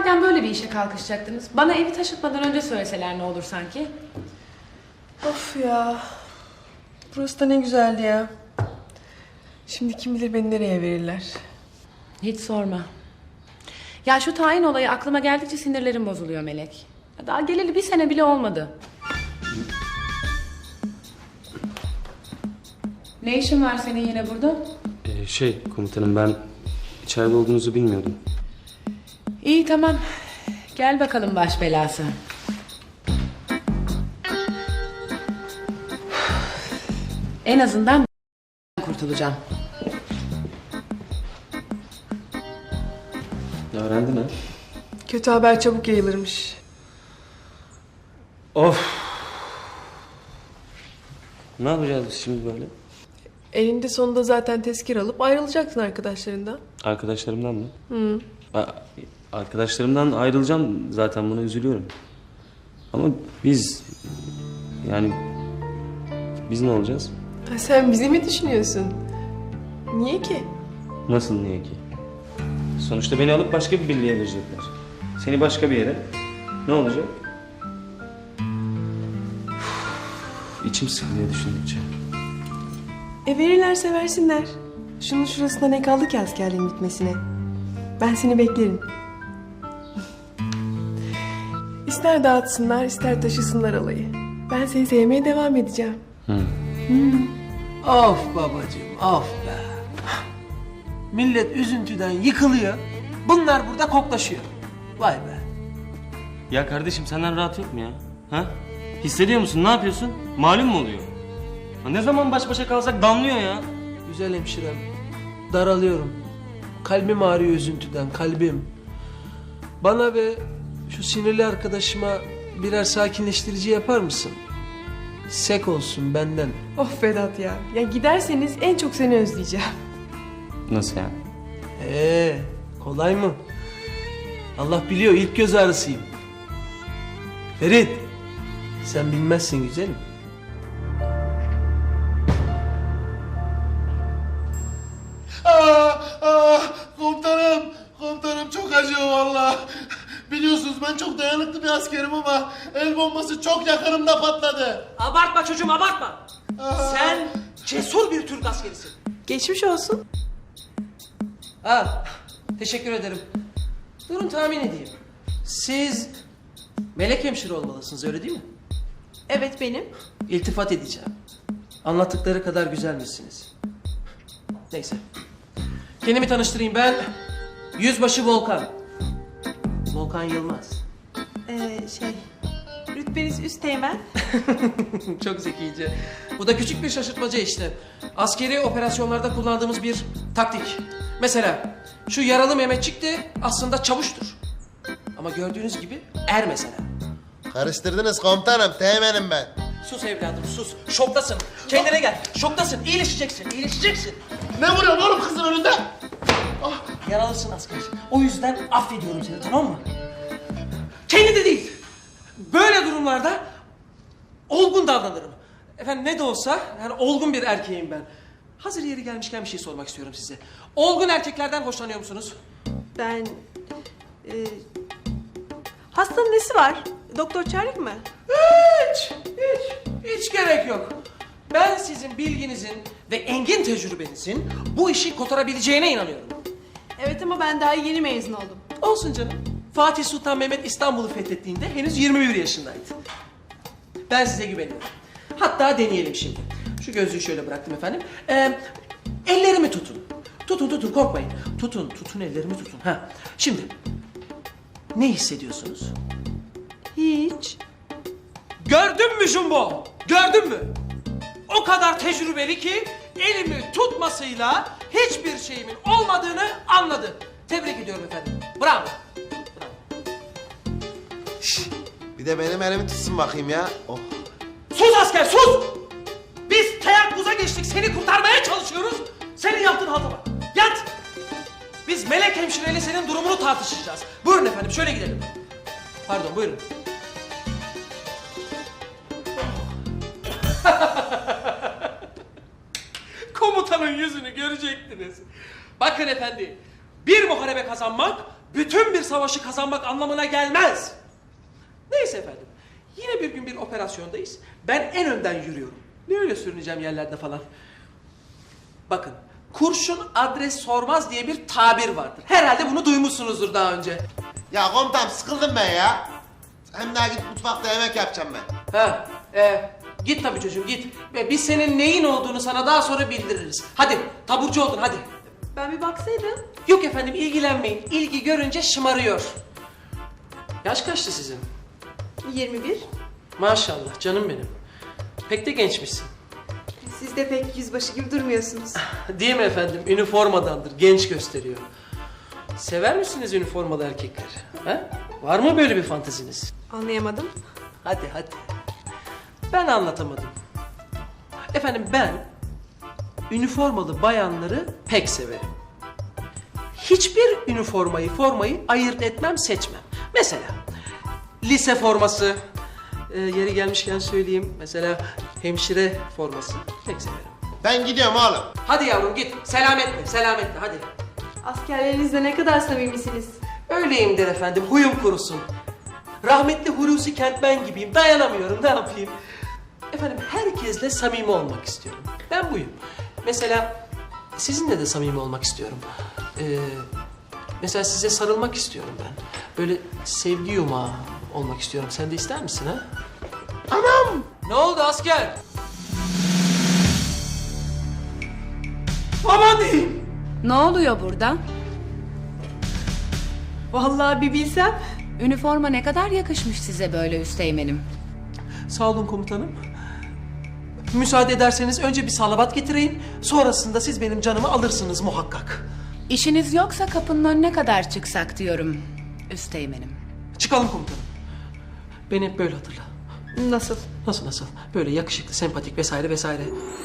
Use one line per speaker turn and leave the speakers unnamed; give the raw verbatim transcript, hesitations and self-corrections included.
madem böyle bir işe kalkışacaktınız, bana evi taşıtmadan önce söyleseler ne olur sanki?
Of ya. Burası da ne güzeldi ya. Şimdi kim bilir beni nereye verirler.
Hiç sorma. Ya şu tayin olayı aklıma geldikçe sinirlerim bozuluyor Melek. Daha geleli bir sene bile olmadı. Ne işin var senin yine burada?
Ee, şey komutanım, ben içeride olduğunuzu bilmiyordum.
İyi, tamam. Gel bakalım baş belası. En azından kurtulacağım.
Öğrendin ha?
Kötü haber çabuk yayılırmış.
Of! Ne yapacağız biz şimdi böyle?
Elinde sonunda zaten tezkir alıp ayrılacaksın arkadaşlarından.
Arkadaşlarımdan mı?
Hı.
A- Arkadaşlarımdan ayrılacağım zaten, buna üzülüyorum. Ama biz... Yani... Biz ne olacağız?
Ha, sen bizi mi düşünüyorsun? Niye ki?
Nasıl niye ki? Sonuçta beni alıp başka bir birliğe verecekler. Seni başka bir yere. Ne olacak? Uf, İçim sıkılıyor düşündükçe.
E verirlerse versinler. Şunun şurasında ne kaldı ki askerliğin bitmesine? Ben seni beklerim. İster dağıtsınlar, ister taşısınlar alayı. Ben seni sevmeye devam edeceğim.
Hı.
Of babacığım, of be. Millet üzüntüden yıkılıyor. Bunlar burada koklaşıyor. Vay be.
Ya kardeşim, senden rahat yok mu ya? Ha? Hissediyor musun? Ne yapıyorsun? Malum mu oluyor? Ha, ne zaman baş başa kalsak damlıyor ya.
Güzel hemşirem. Daralıyorum. Kalbim ağrıyor üzüntüden, kalbim. Bana ve şu sinirli arkadaşıma birer sakinleştirici yapar mısın? Sek olsun benden.
Of Vedat ya. Ya giderseniz en çok seni özleyeceğim.
Nasıl yani?
Ee, kolay mı? Allah biliyor, ilk göz ağrısıyım. Ferit, sen bilmezsin güzelim.
Aa, aa, komutanım, komutanım çok acıyor valla. Biliyorsunuz ben çok dayanıklı bir askerim ama el bombası çok yakınımda patladı.
Abartma çocuğum, abartma. Sen cesur bir Türk askerisin.
Geçmiş olsun.
Ha, teşekkür ederim. Durun tahmin edeyim. Siz melek hemşire olmalısınız, öyle değil mi?
Evet benim.
İltifat edeceğim. Anlattıkları kadar güzelmişsiniz. Neyse. Kendimi tanıştırayım, ben Yüzbaşı Volkan. Volkan Yılmaz.
Ee, şey, rütbeniz üsteğmen.
Çok zekice. Bu da küçük bir şaşırtmaca işte. Askeri operasyonlarda kullandığımız bir taktik. Mesela şu yaralı Mehmetçik de aslında çavuştur. Ama gördüğünüz gibi er mesela.
Karıştırdınız komutanım, teğmenim ben.
Sus evladım sus. Şoktasın. Kendine gel. Şoktasın. İyileşeceksin. İyileşeceksin.
Ne vuruyorsun oğlum kızın önünde?
Yaralısın asker. O yüzden affediyorum seni, tamam mı? Kendi de değil. Böyle durumlarda olgun davranırım. Efendim ne de olsa yani olgun bir erkeğim ben. Hazır yeri gelmişken bir şey sormak istiyorum size. Olgun erkeklerden hoşlanıyor musunuz?
Ben... E, hastanın nesi var? Doktor çağırayım mı?
Hiç, hiç, hiç gerek yok. Ben sizin bilginizin ve engin tecrübenizin bu işi kotarabileceğine inanıyorum.
Evet ama ben daha yeni mezun oldum.
Olsun canım. Fatih Sultan Mehmet İstanbul'u fethettiğinde henüz yirmi bir yaşındaydı. Ben size güveniyorum. Hatta deneyelim şimdi. Şu gözlüğü şöyle bıraktım efendim. Ee, ellerimi tutun. Tutun tutun, korkmayın. Tutun tutun, ellerimi tutun. Ha. Şimdi ne hissediyorsunuz?
Hiç.
Gördün mü Jumbo? Gördün mü? O kadar tecrübeli ki elimi tutmasıyla hiçbir şeyimin olmadığını anladı. Tebrik ediyorum efendim. Bravo.
Bir de benim elimi tutsun bakayım ya. Oh.
Sus asker sus! Biz teyakkuza geçtik, seni kurtarmaya çalışıyoruz. Senin yaptığın halta bak. Yat! Biz melek hemşireyle senin durumunu tartışacağız. Buyurun efendim, şöyle gidelim. Pardon, buyurun. Komutanın yüzünü görecektiniz. Bakın efendi, bir muharebe kazanmak bütün bir savaşı kazanmak anlamına gelmez. Neyse efendim. Yine bir gün bir operasyondayız. Ben en önden yürüyorum. Ne öyle sürüneceğim yerlerde falan. Bakın, kurşun adres sormaz diye bir tabir vardır. Herhalde bunu duymuşsunuzdur daha önce.
Ya komutanım sıkıldım ben ya. Hem daha git mutfakta yemek yapacağım ben.
Ha, e, git tabii çocuğum git. Ve biz senin neyin olduğunu sana daha sonra bildiririz. Hadi, taburcu oldun hadi.
Ben bir baksaydım.
Yok efendim ilgilenmeyin. İlgi görünce şımarıyor. Yaş kaçtı sizin?
yirmi bir.
Maşallah canım benim. Pek de gençmişsin.
Siz de pek yüzbaşı gibi durmuyorsunuz.
Değil mi efendim? Üniformadandır. Genç gösteriyor. Sever misiniz üniformalı erkekleri? Ha? Var mı böyle bir fanteziniz?
Anlayamadım.
Hadi hadi. Ben anlatamadım. Efendim ben üniformalı bayanları pek severim. Hiçbir üniformayı, formayı ayırt etmem, seçmem. Mesela lise forması, e, yeri gelmişken söyleyeyim. Mesela hemşire forması pek severim.
Ben gidiyorum oğlum.
Hadi yavrum git. Selametle, selametle hadi.
Askerlerinizle ne kadar samimisiniz.
Öyleyimdir efendim, huyum kurusun. Rahmetli Hulusi Kentmen gibiyim, dayanamıyorum, ne yapayım? Efendim, herkesle samimi olmak istiyorum. Ben buyum. Mesela sizinle de samimi olmak istiyorum. Ee, mesela size sarılmak istiyorum ben. Böyle sevgi yumağı olmak istiyorum. Sen de ister misin ha? Anam! Ne oldu asker? Aman diyeyim!
Ne oluyor burada?
Vallahi bir bilsem.
Üniforma ne kadar yakışmış size böyle üsteğmenim.
Sağ olun komutanım. Müsaade ederseniz önce bir salavat getireyim. Sonrasında siz benim canımı alırsınız muhakkak.
İşiniz yoksa kapının önüne kadar çıksak diyorum üsteğmenim.
Çıkalım komutanım. Beni hep böyle hatırla.
Nasıl?
Nasıl nasıl? Böyle yakışıklı, sempatik vesaire vesaire.